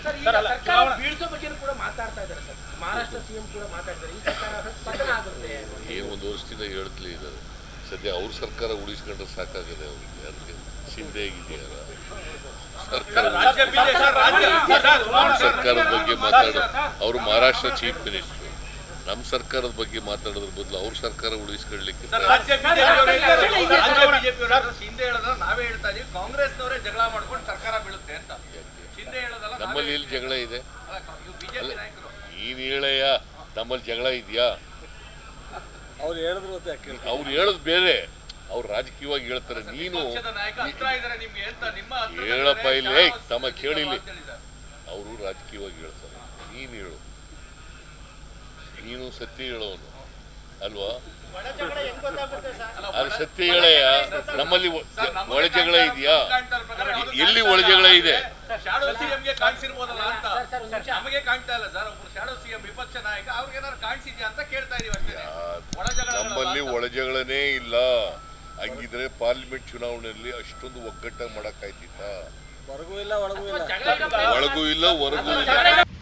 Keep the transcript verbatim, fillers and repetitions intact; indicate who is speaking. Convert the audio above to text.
Speaker 1: ಸರ್ಕಾರ ಬೀಳ್ಸೋ ಬಗ್ಗೆ ಕೂಡ ಮಾತಾಡ್ತಾ ಇದ್ದಾರೆ ಸರ್. ಮಹಾರಾಷ್ಟ್ರ ಸಿಎಂ ಕೂಡ ಮಾತಾಡ್ತಾರೆ ಈ ಸರ್ಕಾರ ಪತನ ಆಗುತ್ತೆ.
Speaker 2: ಏನು ಒಂದು ವರ್ಷದಿಂದ ಹೇಳ್ತಲೇ ಇದ್ದಾರೆ. ಸದ್ಯ ಅವ್ರ ಸರ್ಕಾರ ಉಳಿಸ್ಕೊಂಡ್ರೆ ಸಾಕಾಗದೆ ಅವ್ರಿಗೆ. ಅದಕ್ಕೆ ಚಿಂತೆ ಆಗಿದೆಯಲ್ಲ ಸರ್ಕಾರದ ಬಗ್ಗೆ ಮಾತಾಡೋ ಅವರು ಮಹಾರಾಷ್ಟ್ರ ಚೀಫ್ ಮಿನಿಸ್ಟರ್. ನಮ್ಮ ಸರ್ಕಾರದ ಬಗ್ಗೆ ಮಾತಾಡೋದ್ರ ಬದಲು ಅವ್ರ ಸರ್ಕಾರ ಉಳಿಸ್ಕೊಳ್ಳಿಕ್ಕೆ
Speaker 3: ನಾವೇ ಹೇಳ್ತಾ ಇದೀವಿ ಕಾಂಗ್ರೆಸ್ನವರೇ ಜಗಳ ಮಾಡ್ಕೊಂಡು ಸರ್ಕಾರ ಬೀಳುತ್ತೆ ಅಂತ.
Speaker 2: ನಮ್ಮಲ್ಲಿ ಎಲ್ಲಿ ಜಗಳ ಇದೆ? ನೀನ್ ಹೇಳಯ್ಯ, ನಮ್ಮಲ್ಲಿ ಜಗಳ ಇದೆಯಾ?
Speaker 4: ಅವ್ರು ಹೇಳಿದ್ರು
Speaker 2: ಅವ್ರು ಹೇಳೋದು ಬೇರೆ, ಅವ್ರು ರಾಜಕೀಯವಾಗಿ ಹೇಳ್ತಾರೆ. ನೀನು ಹೇಳಪ್ಪ ಇಲ್ಲಿ ತಮ್ಮ ಕೇಳಿಲಿ, ಅವರು ರಾಜಕೀಯವಾಗಿ ಹೇಳ್ತಾರೆ. ನೀನು ಹೇಳು, ನೀನು ಸತ್ಯ ಹೇಳೋನು ಅಲ್ವಾ? ಅದು ಸತ್ಯ ಹೇಳಯ್ಯ. ನಮ್ಮಲ್ಲಿ ಒಳ ಜಗಳ ಇದೆಯಾ? ಎಲ್ಲಿ ಒಳ ಜಗಳ ಇದೆ?
Speaker 3: ಶಾಡೋ ಸಿಎಂಗೆ ಕಾಣಿಸಿರ್ಬೋದಲ್ಲ ಅಂತ ನಮಗೆ ಕಾಣ್ತಾ ಇಲ್ಲ ಸರ್. ಒಬ್ರು ಶಾಡೋ ಸಿಎಂ ವಿಪಕ್ಷ ನಾಯಕ ಅವ್ರಿಗೆ ಏನಾದ್ರು ಕಾಣಿಸಿದ್ಯಾ ಅಂತ ಕೇಳ್ತಾ ಇದೀವಿ ಅಷ್ಟೇ.
Speaker 2: ನಮ್ಮಲ್ಲಿ ಒಳ ಜಗಳನೇ ಇಲ್ಲ. ಹಂಗಿದ್ರೆ ಪಾರ್ಲಿಮೆಂಟ್ ಚುನಾವಣೆಯಲ್ಲಿ ಅಷ್ಟೊಂದು ಒಗ್ಗಟ್ಟಾಗಿ ಮಾಡಕ್ಕಾಯ್ತಿತ್ತ?
Speaker 4: ಹೊರಗೂ ಇಲ್ಲ ಒಳಗೂ ಇಲ್ಲ,
Speaker 2: ಒಳಗೂ ಇಲ್ಲ ಹೊರಗೂ ಇಲ್ಲ.